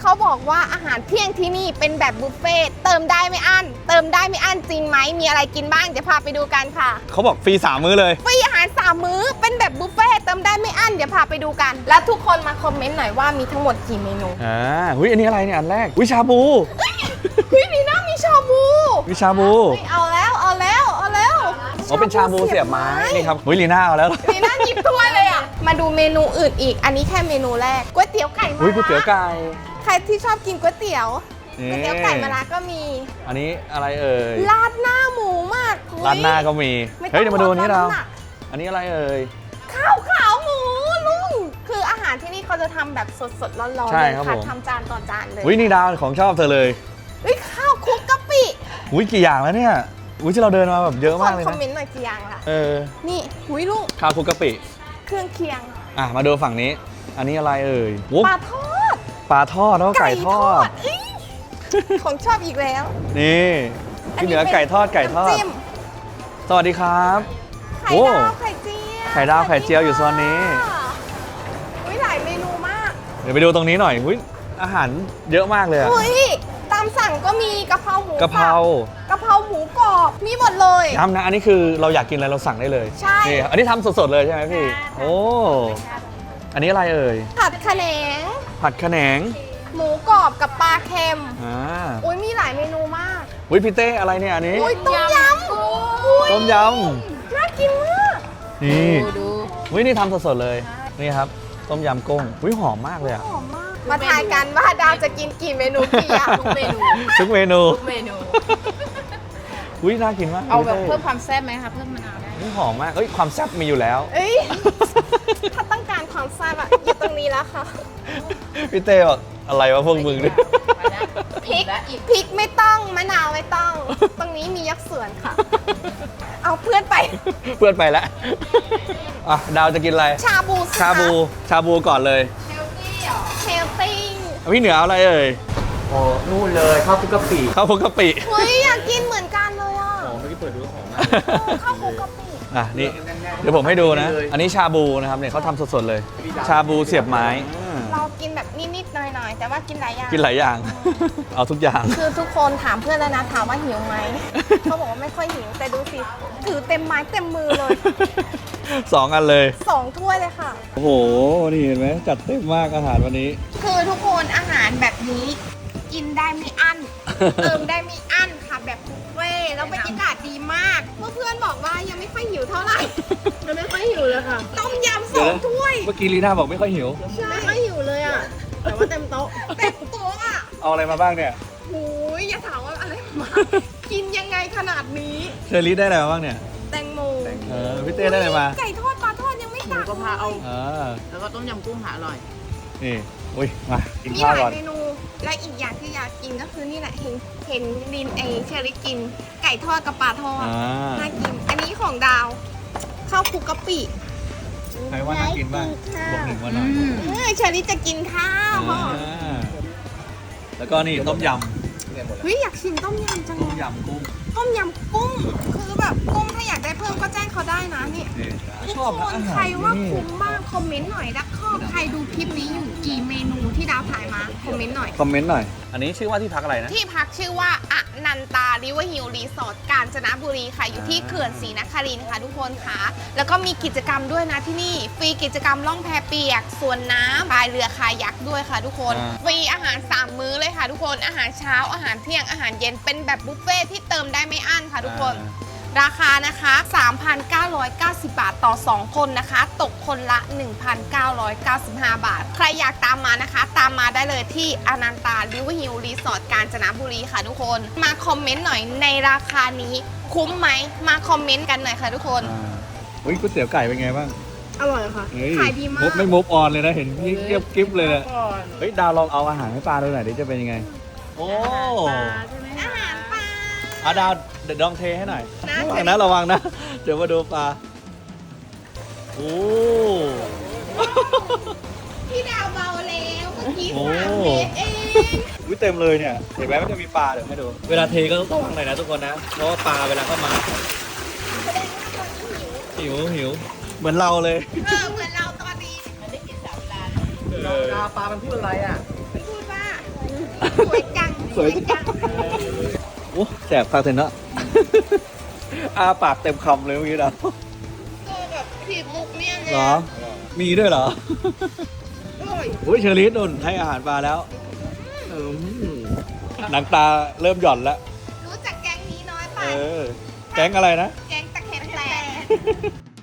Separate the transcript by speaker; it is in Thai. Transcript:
Speaker 1: เขาบอกว่าอาหารเที่ยงที่นี่เป็นแบบบุฟเฟ่ต์เติมได้ไม่อั้นเติมได้ไม่อั้นจริงไหมมีอะไรกินบ้างเดี๋ยวพาไปดูกันค่ะ
Speaker 2: เขาบอกฟรี3 มื้อเลย
Speaker 1: ฟรีอาหาร3 มื้อเป็นแบบบุฟเฟ่ต์เติมได้ไม่อั้นเดี๋ยวพาไปดูกันแล้วทุกคนมาคอมเมนต์หน่อยว่ามีทั้งหมดกี่เมนู
Speaker 2: หุ้ยอันนี้อะไรเนี่ยอันแรกวิชาบู
Speaker 1: หุ้ยมีน้ำมีชาบู
Speaker 2: วิชาบู
Speaker 1: เอาแล้ว
Speaker 2: อ๋อเป็นชาบูเสียบไม้นี่ครับหุ้ยลีน่าเอาแล้ว
Speaker 1: ลีน่าหยิบถ้วยเลยอ่ะมาดูเมนูอื่นอีกอันนี้แค่เมนูแรกก๋วยเตี๋ยวไก่มะระ
Speaker 2: ก๋วยเตี๋ยวไก่
Speaker 1: ใครที่ชอบกินก๋วยเตี๋ยวไก่มะระก็มี
Speaker 2: อันนี้อะไรเอ่ย
Speaker 1: ราดหน้าหมูมาก
Speaker 2: ราดหน้าก็มีเฮ้ยเดี๋ยวมาดูอันนี้เราอันนี้อะไรเอ่ย
Speaker 1: ข้าวขาวหมูลุงคืออาหารที่นี่เขาจะทำแบบสดๆร้อนๆเลยค่ะทำจานต่อจานเลย
Speaker 2: อุ้ยนี่ดาวของชอบเธอเลย
Speaker 1: ข้าวคลุกกะปิ
Speaker 2: อุ้ยกี่อย่างแล้วเนี่ยอุ้ยที่เราเดินมาแบบเยอะมากเลยนะ
Speaker 1: คอมเมนต์หน่อยกี่อย่างล่ะนี่อุ้ยลุง
Speaker 2: ข้าวคลุกกะปิ
Speaker 1: เครื่องเคียง
Speaker 2: มาดูฝั่งนี้อันนี้อะไรเอ่ย
Speaker 1: ปลาทอด
Speaker 2: แล้วก็ไก่ทอด
Speaker 1: ของชอบอีกแล้ว
Speaker 2: นี่ที่เหนือไก่ทอดสวัสดีครับ
Speaker 1: ไข่ดาวไข่เจียว
Speaker 2: อยู่โซนนี้
Speaker 1: อุ้ยหลายเมนูมาก
Speaker 2: เดี๋ยวไปดูตรงนี้หน่อยอุ้ยอาหารเยอะมากเลย
Speaker 1: อุ้ยตามสั่งก็มีกะเพราหมู
Speaker 2: กะเพรา
Speaker 1: หมูกรอบมีหมดเลย
Speaker 2: ย้ำนะอันนี้คือเราอยากกินอะไรเราสั่งได้เลย
Speaker 1: ใช่
Speaker 2: นี่อันนี้ทำสดๆเลยใช่ไหมพี่โอ้อันนี้อะไรเอ่ย
Speaker 1: ผัดขะแหนงหมูกรอบกับปลาเค็มอุ้ยมีหลายเมนูมาก
Speaker 2: อุ้ยพี่เต้อะไรเนี่ยอันนี้
Speaker 1: อุ้ยต้มยำน่ากินมาก
Speaker 2: นี่อุ้ยนี่ทำสดๆเลยนี่ครับต้มยำกุ้งอุ้ยหอมมากเลยอะ
Speaker 1: มาทายกันว่าดาวจะกินกี่เมนูกี่อย่าง
Speaker 2: ทุกเมนูอุ้ยน่ากินมาก
Speaker 3: เอาแบบเพิ่มความแซ่บไหมคะเพิ่มมะนาวได้
Speaker 2: หอมมากความแซ่บมีอยู่แล้ว
Speaker 1: ถ้าต้องการความแซ่บอยู่ตรงนี้แล้วค่ะ
Speaker 2: พี่เต้บอกอะไรวะพวกมึงเนี่ย
Speaker 1: พริกไม่ต้องมะนาวไม่ต้องตรงนี้มียักษ์เสือนค่ะเอาเพื่อนไป
Speaker 2: แล้วดาวจะกินอะไร
Speaker 1: ชา
Speaker 2: บูก่อนเลย
Speaker 1: เฮลตี้
Speaker 2: พี่เหนือเอาอะไรเอ่ย
Speaker 4: โอ้นู่นเลยข้าวคลุกกะปิ
Speaker 1: เฮ้ยอยากกินเหมือนกันเลยอ่ะ
Speaker 4: เมื่อกี้เปิดดูของ
Speaker 1: ข้าวคลุกกะปิ
Speaker 2: นี่เดี๋ยวผมให้ดูนะอันนี้ชาบูนะครับเนี่ยเขาทำสดๆเลยชาบูเสียบไม้
Speaker 1: เรากินแบบนิดๆหน่อยๆแต่ว่ากินหลาย
Speaker 2: อย่าง เอาทุกอย่าง
Speaker 1: คือทุกคนถามเพื่อนแล้วนะถามว่าหิวไหมเขาบอกว่าไม่ค่อยหิวแต่ดูสิถือเต็มไม้เต็มมือเลย
Speaker 2: 2 อันเลย
Speaker 1: 2 ถ้วยเลยค่ะ
Speaker 2: โอ้โหนี่เห็นไหมจัดเต็มมากอาหารวันนี้
Speaker 1: คือทุกคนอาหารแบบนี้กินได้ไม่อั้นเติมได้ไม่อั้นค่ะแบบบุฟเฟ่แล้วบรรยากาศดีมากเพื่อนบอกว่ายังไม่ค่อยหิวเท่าไหร่
Speaker 3: มันไม่ค่อยหิวเลยค่ะ
Speaker 1: ต้มยำ2 ถ้วย
Speaker 2: เมื่อกี้ลีน่าบอกไม่ค่อยหิว
Speaker 1: ไม่ค่อยหิวเลยอ่ะแต่ว่าเต็มโต๊ะอ่ะ
Speaker 2: เอาอะไรมาบ้างเนี่ย
Speaker 1: หูยอย่าถามว่าอะไรมากินยังไงขนาดนี้
Speaker 2: เชอรี่ได้อะไรมาบ้างเนี่ย
Speaker 1: แตงโม
Speaker 2: พี่เต้ได้อะไรมา
Speaker 1: ไก่ทอดปลาทอดยังไม่ตัก
Speaker 3: ก็พาเอาแล้วก็ต้มยำกุ้งหาอร่อย
Speaker 2: นี่อุ้ยมากินข้าวก่อน
Speaker 1: มีหลายเมนูและอีกอย่างที่อยากกินก็คือนี่แหละเห็นลินเชอรี่กินไก่ทอดกับปลาทอดน่ากินอันนี้ของดาวข้าวคลุกกะปิ
Speaker 2: ใครว่าน่ากินบ้างบอก1ว่าหน่อย
Speaker 1: เชอรี่จะกินข้าว
Speaker 2: แล้วก็นี่ต้มยำ
Speaker 1: อยากชิมต้มยำจังเลย
Speaker 2: ต้มยำกุ้ง
Speaker 1: คือแบบกุ้งถ้าอยากได้เพิ่มก็แจ้งเขาได้นะนี่ทุกคนใครว่าคุ้มบ้างคอมเมนต์หน่อยนะใครดูคลิปนี้อยู่กี่เมนูที่ดาวถ่ายมาคอมเมนต์หน่อย
Speaker 2: อันนี้ชื่อว่าที่พักอะไรนะ
Speaker 1: ที่พักชื่อว่าอนันตาริเวอร์ฮิลรีสอร์ทกาญจนบุรีค่ะอยู่ที่เขื่อนศรีนครินทร์ค่ะทุกคนค่ะแล้วก็มีกิจกรรมด้วยนะที่นี่ฟรีกิจกรรมล่องแพเปียกสวนน้ำพายเรือคายักด้วยค่ะทุกคนฟรีอาหาร3 มื้อเลยค่ะทุกคนอาหารเช้าอาหารเที่ยงอาหารเย็นเป็นแบบบุฟเฟ่ที่เติมได้ไม่อั้นค่ะทุกคนราคานะคะ 3,990 บาทต่อ2 คนนะคะตกคนละ 1,995 บาทใครอยากตามมานะคะตามมาได้เลยที่อนันตาริเวอร์ฮิลรีสอร์ทกาญจนบุรีค่ะทุกคนมาคอมเมนต์หน่อยในราคานี้คุ้มไหมมาคอมเมนต์กันหน่อยค่ะทุกคน
Speaker 2: ก๋วยเตี๋ยวไก่เป็นไงบ้าง
Speaker 1: อร่อยค่ะขายดีมาก
Speaker 2: ไม่มุฟออนเลยนะเห็นกิ๊บเลยนะดาวลองเอาอาหารให้ปลาดูหน่อยดิจะเป็นยังไงโอ้
Speaker 1: อาหารปลา
Speaker 2: ดาวเดี๋ยวลองเทให้หน่อยระวังนะเดี๋ยวมาดูปลาโอ้
Speaker 1: พี่ดาวเบาแล้วเมื่อกี้3 เมตรเอง
Speaker 2: เต็มเลยเนี่ยเห็นไหมมันจะมีปลาเดี๋ยวให้ดูเวลาเทก็ต้องระวังหน่อยนะทุกคนนะเพราะว่าปลาเวลาเข้ามาหิวเหมือนเราเลย
Speaker 1: เหมือนเราตอนนี้
Speaker 4: มันได้กิน3 เวลาปลามันพูดอะไรอ่ะ
Speaker 1: พูดว่าสวยจัง
Speaker 2: สวยจัง โอ้แสบปากเถอะเนาะ อาปากเต็มคำเลยเมื่อกี้นะ
Speaker 1: ตัวแบบผีมุกเนี่ย
Speaker 2: เหรอ มีด้วยเหรอ
Speaker 1: อร่อย
Speaker 2: อุ้ยเชอรี่นุ่นให้อาหารปลาแล้วหนังตาเริ่มหย่อนแล้ว
Speaker 1: รู้จักแก๊งนี้น้อยไป
Speaker 2: เออ แก๊งอะไรนะ
Speaker 1: แก๊งตะเข็บแตก